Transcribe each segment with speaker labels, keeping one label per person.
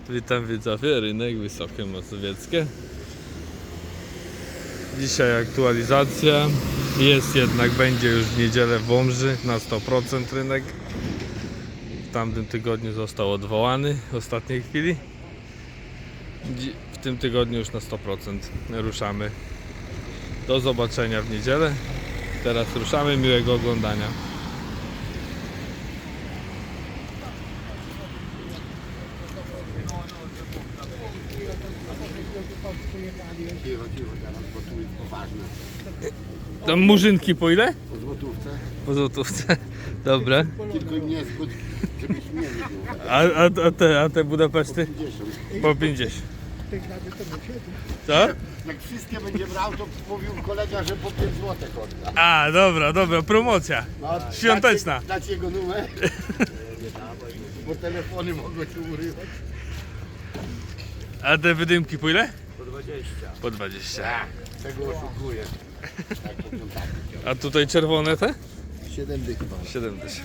Speaker 1: Witam widzowie, rynek Wysokie Mazowieckie. Dzisiaj aktualizacja. Jest jednak, będzie już w niedzielę w Łomży na 100% rynek. W tamtym tygodniu został odwołany w ostatniej chwili. W tym tygodniu już na 100% ruszamy. Do zobaczenia w niedzielę. Teraz ruszamy, miłego oglądania. Tam murzynki po ile?
Speaker 2: Po złotówce.
Speaker 1: Po złotówce. Dobra.
Speaker 2: Tylko im nie zgód, żebyś mnie nie było.
Speaker 1: A te Budapeszty?
Speaker 2: 50.
Speaker 1: Po 50. Co?
Speaker 2: Jak wszystkie będzie brał, to mówił kolega, że po 5 zł odda.
Speaker 1: A, dobra, promocja. Świąteczna.
Speaker 2: Dać jego numer. Bo telefony mogą się urywać.
Speaker 1: A te wydymki po ile?
Speaker 2: Po 20.
Speaker 1: Po 20.
Speaker 2: Tego oszukuję. Tak, po kontakcie.
Speaker 1: A tutaj czerwone te?
Speaker 2: 7 dych pan.
Speaker 1: 70.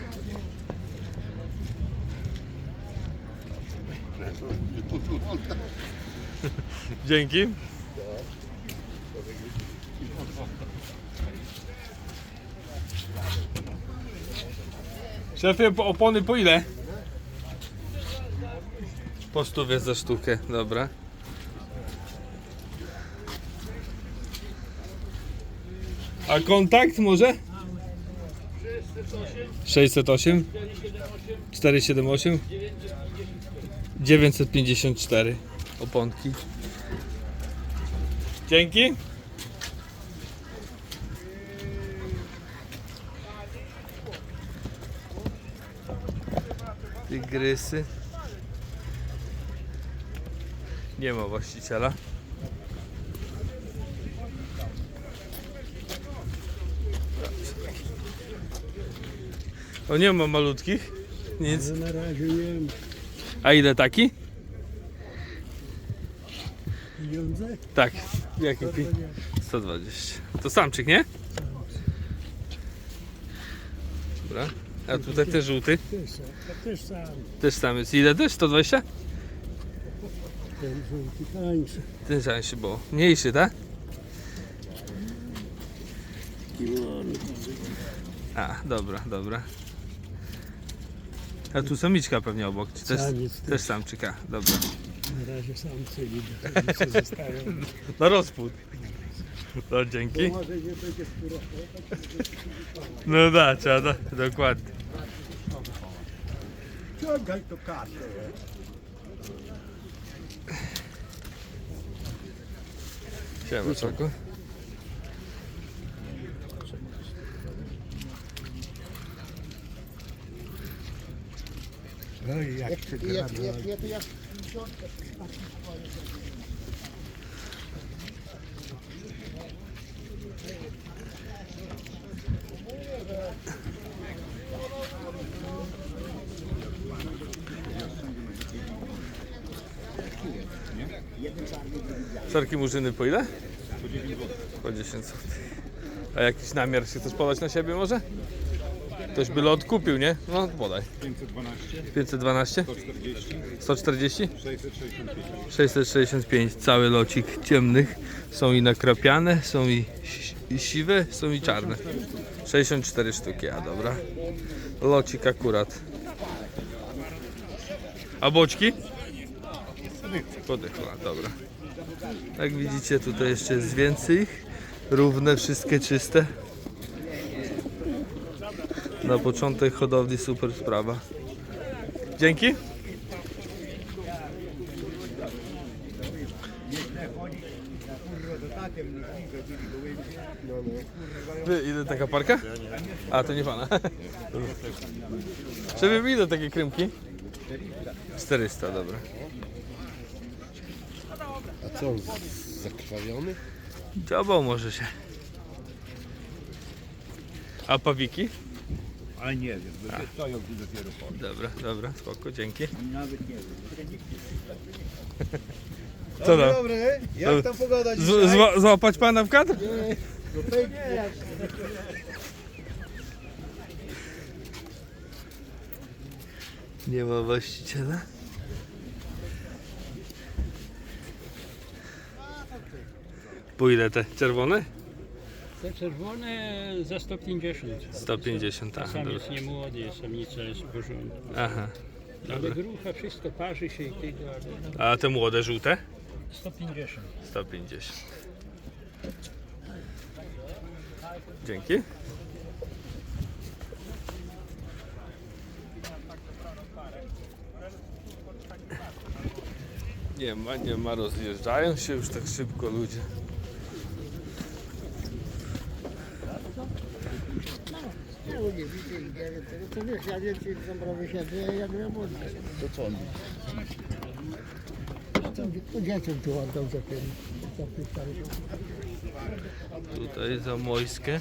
Speaker 1: Dzięki. Szefie, opony po ile? Po 100 za sztukę, dobra. A kontakt może? 608 478 954 oponki. Dzięki. Tygrysy. Nie ma właściciela. O, nie ma malutkich. Nic.
Speaker 2: Na razie nie wiem.
Speaker 1: A ile taki?
Speaker 2: Pieniądze?
Speaker 1: Tak. Jaki 120. To samczyk, nie? Dobra. A tutaj też żółty.
Speaker 2: Też sam.
Speaker 1: Też sam jest. Ile też? 120?
Speaker 2: Ten żółty tańszy.
Speaker 1: Ten tańszy, bo mniejszy, tak? A, dobra. A tu samiczka pewnie obok. Czy też,
Speaker 2: Samiec
Speaker 1: też samczyka. Dobra.
Speaker 2: Na razie samcy widzę, zostają.
Speaker 1: No rozpód. No dzięki.
Speaker 2: Może nie będzie skóra.
Speaker 1: No da, trzeba, dokładnie.
Speaker 2: Ciągaj to kartę.
Speaker 1: Siema, Czoko.
Speaker 2: No i jak się gra.
Speaker 1: Szarki murzyny po ile? Po 10 zł. A jakiś namiar się chcesz podać na siebie może? Ktoś by lot kupił, nie? No podaj.
Speaker 3: 512,
Speaker 1: 512?
Speaker 3: 140,
Speaker 1: 140?
Speaker 3: 665.
Speaker 1: 665. Cały locik ciemnych. Są i nakrapiane, są i siwe, są i czarne. 64 sztuki, a dobra. Locik akurat. A boczki? Podychła, dobra. Jak widzicie, tutaj jeszcze jest więcej ich. Równe, wszystkie czyste. Na początek hodowli super sprawa. Dzięki. Ile taka parka? A, to nie pana. Żeby ile takie krymki? 400, dobra.
Speaker 2: A co, zakrwawiony?
Speaker 1: Dziobał może się. A pawiki?
Speaker 3: A nie wiem, bo się stoją tu dopiero po.
Speaker 1: Dobra, spoko, dzięki.
Speaker 3: Nawet nie wiem.
Speaker 1: Co tam?
Speaker 2: Dobry, jak tam pogoda dzisiaj?
Speaker 1: Złapać pana w kadr?
Speaker 2: No pięknie.
Speaker 1: Nie ma właściciela. Po ile te czerwone?
Speaker 4: Te czerwone za 150.
Speaker 1: 150, tak.
Speaker 4: Samiec nie młody, samica jest w porządku.
Speaker 1: Aha.
Speaker 4: Ale grucha, wszystko parzy się i tego, ale
Speaker 1: A te młode żółte?
Speaker 4: 150.
Speaker 1: 150. Dzięki. Nie ma, rozjeżdżają się już tak szybko ludzie.
Speaker 2: Ja nie widzę i nie wiem tego, co wiesz, ja więcej w Dąbrowie siedzę, jak ja młody. To co on to dzieciom tu oddał za tym.
Speaker 1: Tutaj za Mojskę.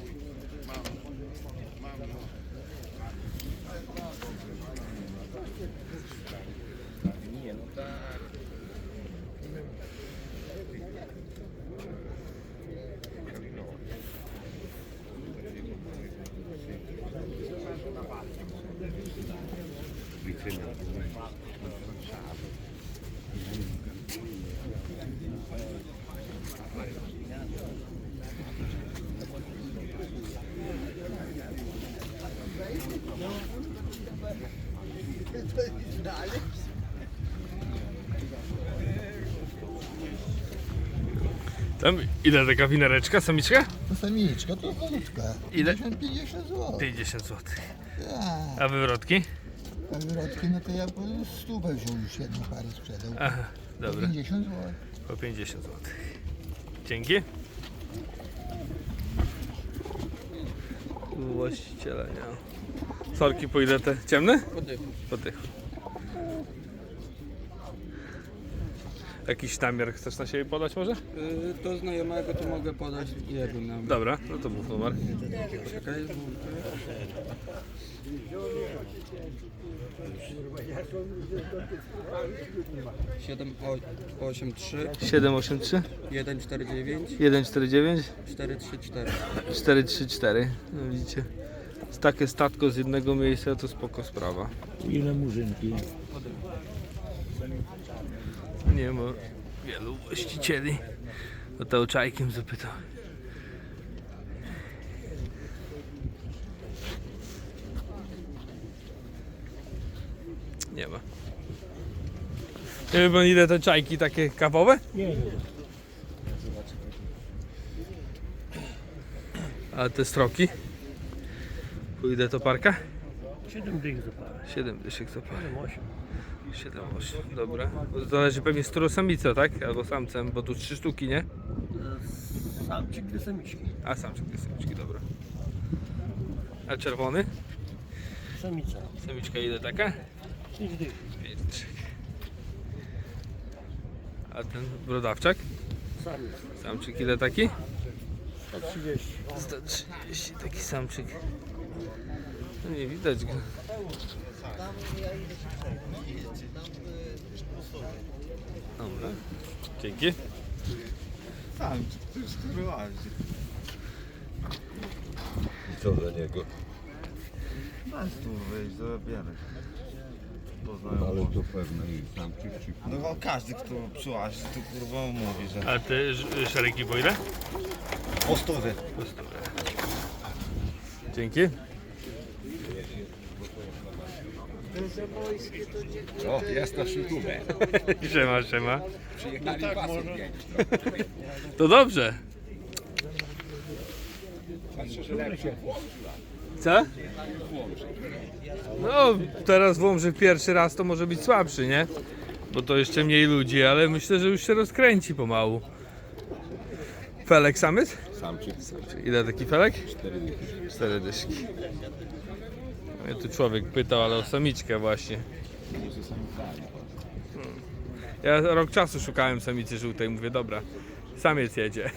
Speaker 1: Tam ile taka winereczka, samiczka?
Speaker 2: To samiczka, to malutka.
Speaker 1: Ile?
Speaker 2: 50 zł.
Speaker 1: 50 zł.
Speaker 2: Ja,
Speaker 1: A wywrotki?
Speaker 2: a wyrotki, no to ja po 100 wziął już jedną parę sprzedał.
Speaker 1: Aha,
Speaker 2: Po
Speaker 1: dobra.
Speaker 2: 50 zł.
Speaker 1: Po 50 zł. Dzięki. Właściciela nie ma. Sorki po ile te ciemne? Po tych. Jakiś namiar chcesz na siebie podać może?
Speaker 5: Do znajomego to mogę podać jego nam.
Speaker 1: Dobra, no to mów numer.
Speaker 5: Poczekaj, 783
Speaker 1: 783
Speaker 5: 149
Speaker 1: 149
Speaker 5: 434.
Speaker 1: 434. No widzicie. Takie statko z jednego miejsca to spoko sprawa.
Speaker 4: Ile murzynki?
Speaker 1: Nie ma wielu właścicieli. O to czajkiem zapytał. Nie ma. Nie wie pan ile te czajki takie kawowe?
Speaker 4: Nie.
Speaker 1: A te stroki? Po ile to parka?
Speaker 4: 7 dych za parę.
Speaker 1: 7 dyszek za parę.
Speaker 4: 8.
Speaker 1: 7-8, dobra. Zależy pewnie z którą samicą, tak? Albo samcem, bo tu 3 sztuki, nie?
Speaker 4: Samczyk do samiczki.
Speaker 1: A samczyk dwie samiczki, dobra. A czerwony?
Speaker 4: Samica.
Speaker 1: Samiczka ile taka?
Speaker 4: 5 dych.
Speaker 1: 5 dyszek. A ten brodawczak?
Speaker 4: Samiec.
Speaker 1: Samczyk ile taki?
Speaker 4: 130.
Speaker 1: 130, taki samczyk. No nie widać go. Dobra, dzięki.
Speaker 2: Sam, to już skrywasz.
Speaker 6: I co za niego?
Speaker 2: Masz tu wejść, zabierać.
Speaker 6: Ale to pewno i samczyk czy
Speaker 7: No bo każdy, kto przyłazi, to kurwa mówi, że...
Speaker 1: A te szeregi po ile?
Speaker 7: Po 100.
Speaker 1: Dzięki.
Speaker 3: O, jest na YouTube.
Speaker 1: Siema.
Speaker 3: Przyjechali pasem pięć.
Speaker 1: To dobrze. Co? No, teraz w Łomży pierwszy raz to może być słabszy, nie? Bo to jeszcze mniej ludzi, ale myślę, że już się rozkręci pomału. Felek samiec?
Speaker 6: samczyk.
Speaker 1: Ile taki felek?
Speaker 6: 4 dychy.
Speaker 1: 4 dyszki. Mnie tu człowiek pytał, ale o samiczkę właśnie. Ja rok czasu szukałem samicy żółtej, mówię dobra, samiec jedzie.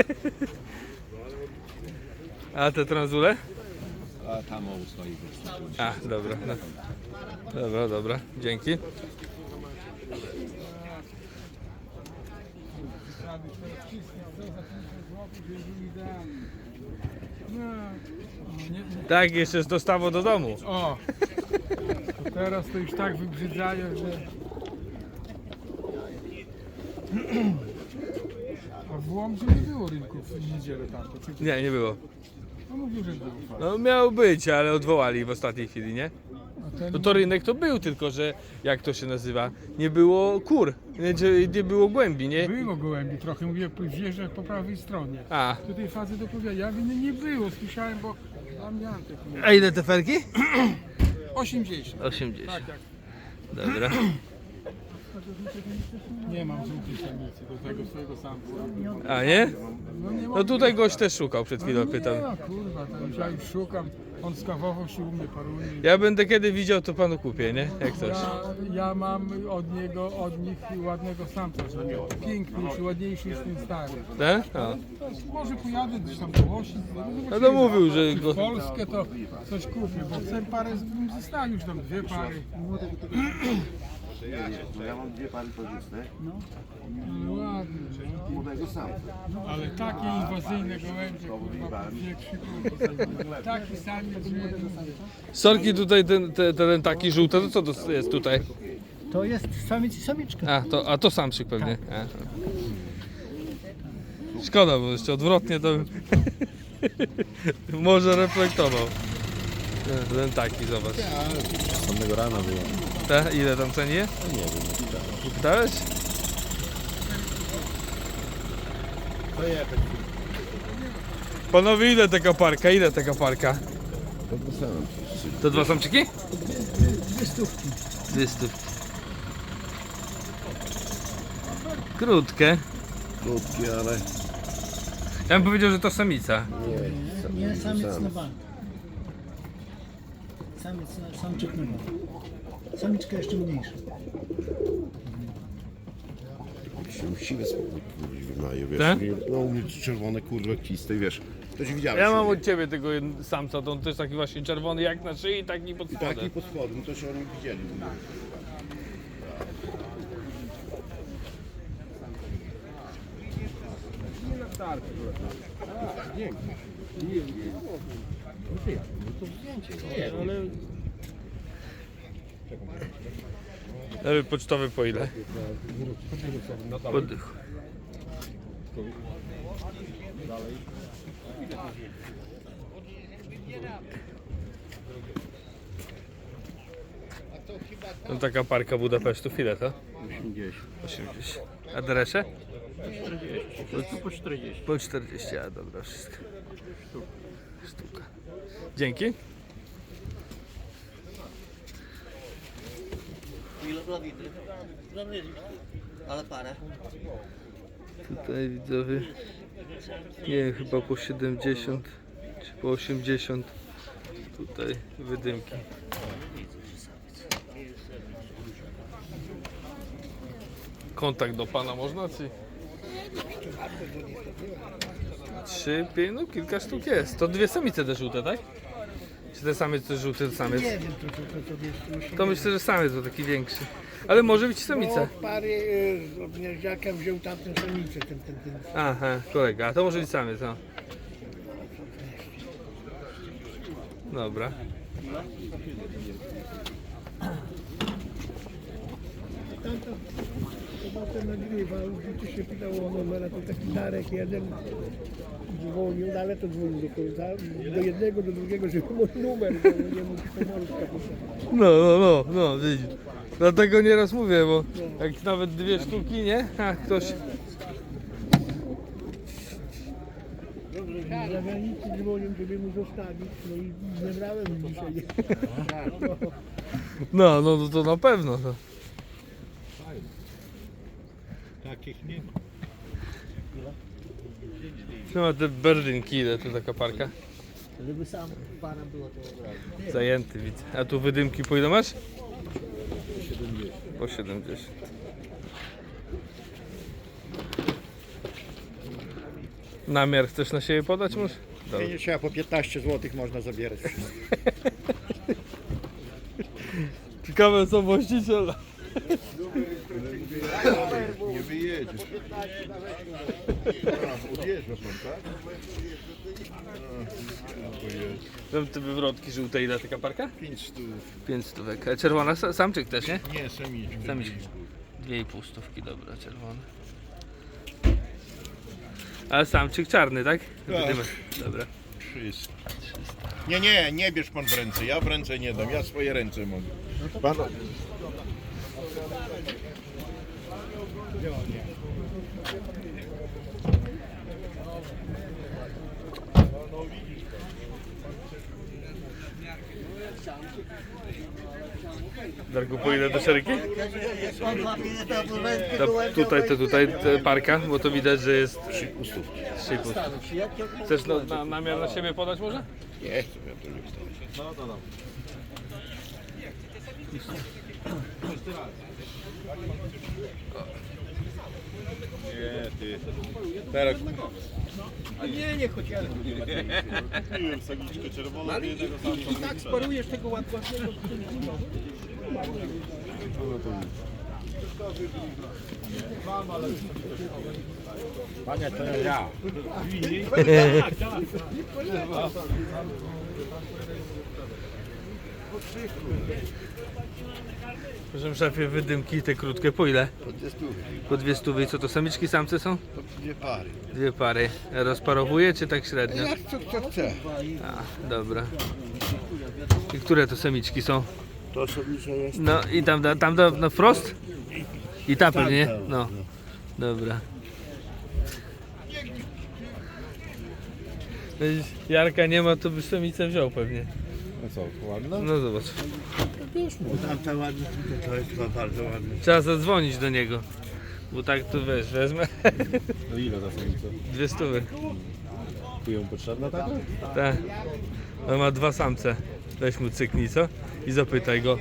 Speaker 1: A te tranzule?
Speaker 6: A tam o stoi wystąpił.
Speaker 1: A, dobra. No. Dobra, dzięki. Tak, jeszcze z dostawą do domu.
Speaker 8: O! To teraz to już tak wybrzydzają, że... A w Łomży nie było rynku w niedzielę tamto. Czy...
Speaker 1: Nie, nie było.
Speaker 8: No mówił, że było.
Speaker 1: No miał być, ale odwołali w ostatniej chwili, nie?
Speaker 8: A ten...
Speaker 1: No to rynek to był, tylko że jak to się nazywa? Nie było kur, nie było głębi, nie?
Speaker 8: Było gołębi trochę, mówię, wjeżdżać po prawej stronie.
Speaker 1: A.
Speaker 8: Tutaj facet opowiada, ja mówię, nie było, słyszałem, bo tam Jantek mówi.
Speaker 1: A ile te felki?
Speaker 8: 80.
Speaker 1: 80.
Speaker 8: Tak, tak.
Speaker 1: Dobra.
Speaker 8: Nie mam żółtej samicy do tego swojego samca.
Speaker 1: A nie?
Speaker 8: No, nie
Speaker 1: No tutaj gość też szukał, przed chwilą pytał.
Speaker 8: Nie, no kurwa, to już ja już szukam. On skawował się u mnie paruje.
Speaker 1: Ja będę kiedy widział, to panu kupię, nie? Jak coś.
Speaker 8: Ja mam od nich ładnego samca, że piękniejszy, ładniejszy niż ten stary.
Speaker 1: Tak? O.
Speaker 8: Może pojadę gdzieś tam do Łosi.
Speaker 1: No to mówił, że
Speaker 8: W
Speaker 1: go...
Speaker 8: Polskę to coś kupię, bo chcę parę, bym zostawił już tam 2 pary.
Speaker 6: No ja mam 2 pary korzystne.
Speaker 8: No ładnie, no.
Speaker 6: Młodego samca.
Speaker 8: Ale takie inwazyjne gołębie, kurwa, wie taki samiec, że...
Speaker 1: Sorki tutaj, ten taki żółty, to co to jest tutaj?
Speaker 2: To jest samiec i samiczka.
Speaker 1: A to samczyk pewnie. A. Szkoda, bo jeszcze odwrotnie to może reflektował. Ten taki, zobacz.
Speaker 6: Samego rana było.
Speaker 1: Te? Ile tam ceni je?
Speaker 6: Nie wiem, nie
Speaker 1: Pytałeś? Panowie, ile taka parka? Ile taka parka? To 2 samczyki?
Speaker 2: 2 stówki.
Speaker 1: 2 stówki. Krótkie.
Speaker 6: Krótki, ale
Speaker 1: Ja bym powiedział, że to samica.
Speaker 2: Nie, samiec na bank. Samczyk na bank. Samiczka jeszcze mniejsza.
Speaker 6: się siwe spokój wymaje, wiesz.
Speaker 1: Tak?
Speaker 6: No u mnie czerwone kurwa kiste, wiesz. To ci widziałeś.
Speaker 1: Ja mam od ciebie tego samca, to on też taki właśnie czerwony jak na szyi, taki pod
Speaker 6: I
Speaker 1: spodem.
Speaker 6: taki pod spodem, to się oni widzieli.
Speaker 1: Ale pocztowy po ile? Po dychu. No taka parka Budapesztów, ile to? 80. A dresze?
Speaker 4: Po 40.
Speaker 1: Po 40, a dobra, wszystko. Sztuka. Dzięki.
Speaker 2: Ile blawity? Ale parę.
Speaker 1: Tutaj widzowie, nie wiem, chyba po 70 czy po 80. Tutaj wydymki. Kontakt do pana można, czy? 3, 5, no kilka sztuk jest. To 2 samice te żółte, tak? Czy te samiec to jest żółty samiec?
Speaker 2: Nie wiem, to jest.
Speaker 1: To myślę, że samiec to taki większy. Ale może być samica.
Speaker 2: No, pary z obniażdziaka wziął tamtą samicę, ten.
Speaker 1: Aha, kolega, a to może być samiec, no. Dobra.
Speaker 2: Chyba ten nagrywał, gdzie się pytało o numer, to taki Darek jeden dzwonił, no ale to dzwonił do końca, do jednego, do drugiego, żeby mój numer, bo nie mógł pomorska pisać.
Speaker 1: No, widzisz. Dlatego nieraz mówię, bo jak nawet 2 sztuki, nie? A ktoś...
Speaker 2: Z zagranicy dzwonił, żeby mu zostawić, no i nie brałem dzisiaj.
Speaker 1: No to na pewno. To.
Speaker 7: Takich nie ma.
Speaker 1: Co ma te berlinki, ile to taka parka?
Speaker 2: Żeby sam pana było to od razu.
Speaker 1: Zajęty widzę. A tu wydymki po ile masz? Po 70. Namiar chcesz na siebie podać może? Dobra.
Speaker 9: Nie trzeba, po 15 zł można zabierać wszystko.
Speaker 1: Ciekawe co właściciel.
Speaker 6: Nie wyjedziesz. Odjeżdża pan, tak?
Speaker 1: Tam te wywrotki żółte, ile taka parka?
Speaker 6: 5 stów.
Speaker 1: 5 stówek. A czerwona samczyk też, nie?
Speaker 6: Nie, samiczka.
Speaker 1: Samiczki. 2,5 stówki, dobra, czerwone. A samczyk czarny, tak?
Speaker 10: Tak.
Speaker 1: Dobra.
Speaker 10: 300. Nie bierz pan w ręce, ja w ręce nie dam, ja swoje ręce mogę. Pan...
Speaker 1: Darku, po ile do szeryki? Tutaj te parka, bo to widać, że jest 3,5. Chcesz namiar na siebie podać może?
Speaker 10: Nie chcę, ja to nie chcę. No to dobrze. Nie, ty. Teraz...
Speaker 2: Nie chodź, ja.
Speaker 10: Kupiłem sagiczkę czerwoną,
Speaker 2: Ale i tak sparujesz tego ładnego.
Speaker 3: Panie, to ja.
Speaker 1: Proszę szefie, wydymki te krótkie po ile? Po 200. I co to, samiczki, samce są?
Speaker 10: To 2 pary.
Speaker 1: 2 pary. Rozparowuje czy tak średnio?
Speaker 10: Jak co chce.
Speaker 1: A, dobra. I które to samiczki są?
Speaker 10: To samiczka jest.
Speaker 1: No i tam no wprost? I ta pewnie? No. Dobra. Jarka nie ma, to by samicę wziął pewnie.
Speaker 10: No co, ładna?
Speaker 1: No zobacz.
Speaker 10: Tamta ładna, to jest bardzo ładna.
Speaker 1: Trzeba zadzwonić do niego. Bo tak to wiesz, wezmę.
Speaker 10: No ile za samicę?
Speaker 1: 200.
Speaker 10: Kują potrzebna taka?
Speaker 1: Tak. On ma 2 samce. Weź mu cyknij, co? I zapytaj go.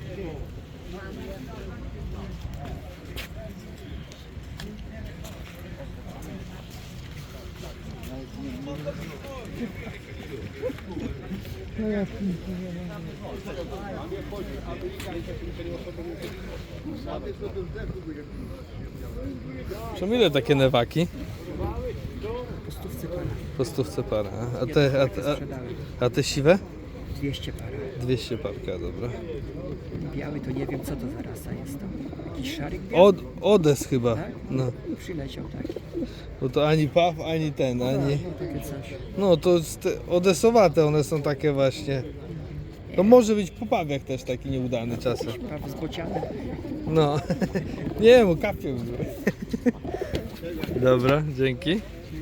Speaker 1: Czemu ile takie newaki? Po stówce para. A te siwe?
Speaker 2: 200 par.
Speaker 1: 200 parka, dobra.
Speaker 2: Biały to nie wiem co to za rasa jest to. Jakiś szarik biały?
Speaker 1: Odes chyba.
Speaker 2: Tak?
Speaker 1: No.
Speaker 2: Przyleciał taki.
Speaker 1: Bo to ani paw, ani ten, ani...
Speaker 2: No takie coś.
Speaker 1: No to odesowate one są takie właśnie. To może być po pawiach też taki nieudany czasem.
Speaker 2: Paw z bocianem.
Speaker 1: No. Nie, bo kapią. Dobra, dzięki.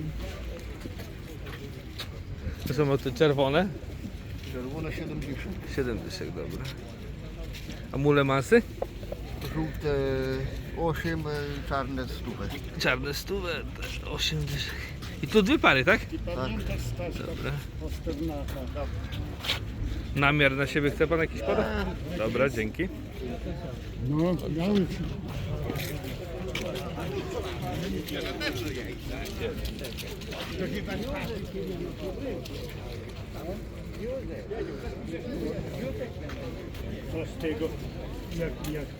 Speaker 1: To są te czerwone?
Speaker 10: Czerwone 70.
Speaker 1: 7 dyszek, dobra. A mule masy?
Speaker 6: Żółte 8, czarne 100.
Speaker 1: Czarne 100, 8 dyszek. I tu 2 pary, tak?
Speaker 6: Tak.
Speaker 1: Dobra. Namiar na siebie chce pan jakiś podać? Dobra, dzięki.
Speaker 2: No, biały.
Speaker 4: Co z tego, jak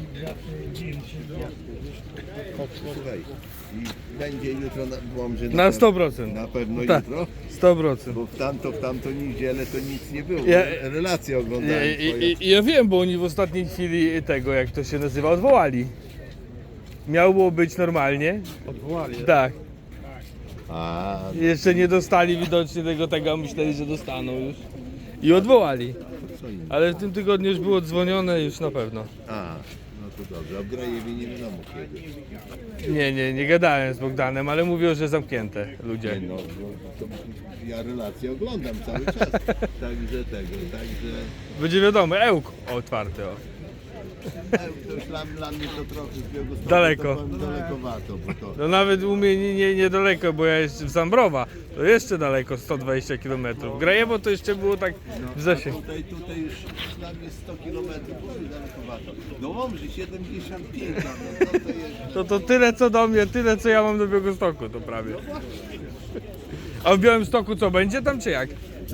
Speaker 10: Słuchaj, i będzie jutro na Łomży
Speaker 1: Na 100%.
Speaker 10: Na pewno
Speaker 1: Tak.
Speaker 10: jutro,
Speaker 1: 100%.
Speaker 10: bo w tamtą niedzielę to nic nie było.
Speaker 1: Ja-
Speaker 10: Relacje oglądałem twoje.
Speaker 1: Ja wiem, bo oni w ostatniej chwili tego, jak to się nazywa, odwołali. Miało być normalnie. Odwołali? Tak.
Speaker 10: A,
Speaker 1: Jeszcze nie dostali widocznie tego, myśleli, że dostaną już. I odwołali.
Speaker 10: co innego.
Speaker 1: Ale w tym tygodniu już było dzwonione już na pewno.
Speaker 10: A, no to dobrze. A w Grajewie nie wiadomo kiedy.
Speaker 1: Nie gadałem z Bogdanem, ale mówią, że zamknięte ludzie.
Speaker 10: No, to ja relacje oglądam cały czas. Także także...
Speaker 1: Będzie wiadomo, Ełk otwarty. O.
Speaker 10: To już dla mnie to trochę z Białegostoku
Speaker 1: Daleko.
Speaker 10: to powiem dalekowato, bo to...
Speaker 1: No nawet u mnie niedaleko, bo ja jestem z Zambrowa. To jeszcze daleko, 120 km. Grajewo to jeszcze było tak w zasięgu.
Speaker 10: Tutaj już dla mnie 100 km dalekowato. Do Łomży 75, no to jest...
Speaker 1: To tyle co do mnie, tyle co ja mam do Białegostoku, to prawie. A w Białymstoku co, będzie tam czy jak?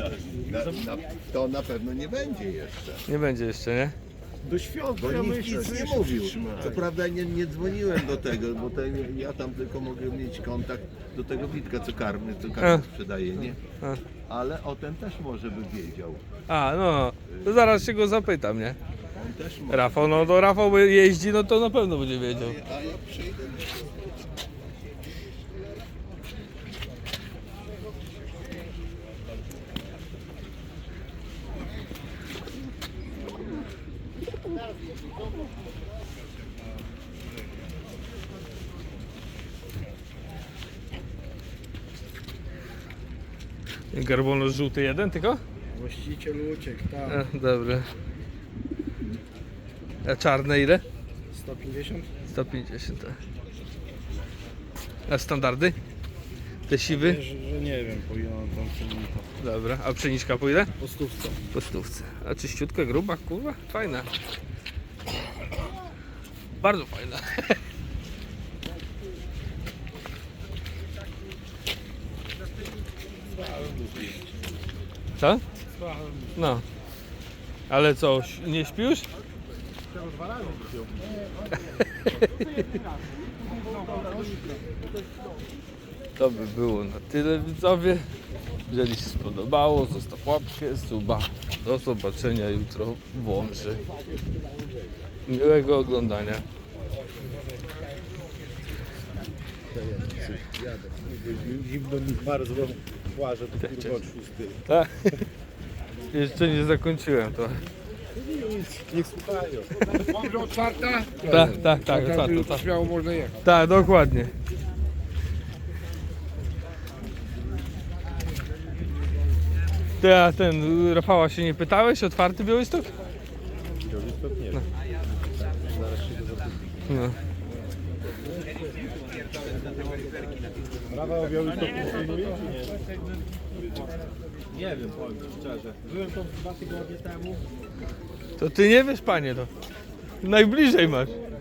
Speaker 10: To na pewno nie będzie jeszcze.
Speaker 1: Nie będzie jeszcze, nie?
Speaker 10: Do świąt, bo nikt nic nie mówił. Co prawda nie dzwoniłem do tego, bo ja tam tylko mogę mieć kontakt do tego Witka, co karmy sprzedaje, nie? Ale o ten też może by wiedział.
Speaker 1: A, no, to zaraz się go zapytam, nie?
Speaker 10: On też może.
Speaker 1: Rafał, no to Rafał by jeździ, no to na pewno będzie wiedział.
Speaker 10: A ja przyjdę.
Speaker 1: Garbonos żółty jeden tylko?
Speaker 9: Właściciel uciekł, tak.
Speaker 1: Dobra. A czarne ile?
Speaker 9: 150?
Speaker 1: 150. A standardy? Te siwy?
Speaker 9: Że nie wiem, po ile on tam cennika.
Speaker 1: Dobra. A pszeniczka po ile?
Speaker 9: Po stówce.
Speaker 1: Po stówce. A czyściutka, gruba, kurwa? Fajna. Bardzo fajna. Co? No. Ale co, nie śpisz? To by było na tyle, widzowie. Jeżeli się spodobało, zostaw łapkę, suba. Do zobaczenia jutro w Łomży. Miłego oglądania.
Speaker 6: Zimno mi bardzo płaże, to kurwa od 6.
Speaker 1: Tak. Jeszcze nie zakończyłem to.
Speaker 6: Niech słuchają.
Speaker 8: Łomża otwarta?
Speaker 1: Tak, otwarto, tak.
Speaker 8: Śmiało można jechać.
Speaker 1: Tak, dokładnie. Ty, a ten Rafała się nie pytałeś? Otwarty Białystok?
Speaker 6: Białystok nie.
Speaker 1: No. No.
Speaker 6: Prawa o Białystok funkcjonuje czy nie?
Speaker 3: Nie wiem, powiem szczerze. Byłem tam 2 tygodnie temu.
Speaker 1: To ty nie wiesz, panie, to najbliżej masz.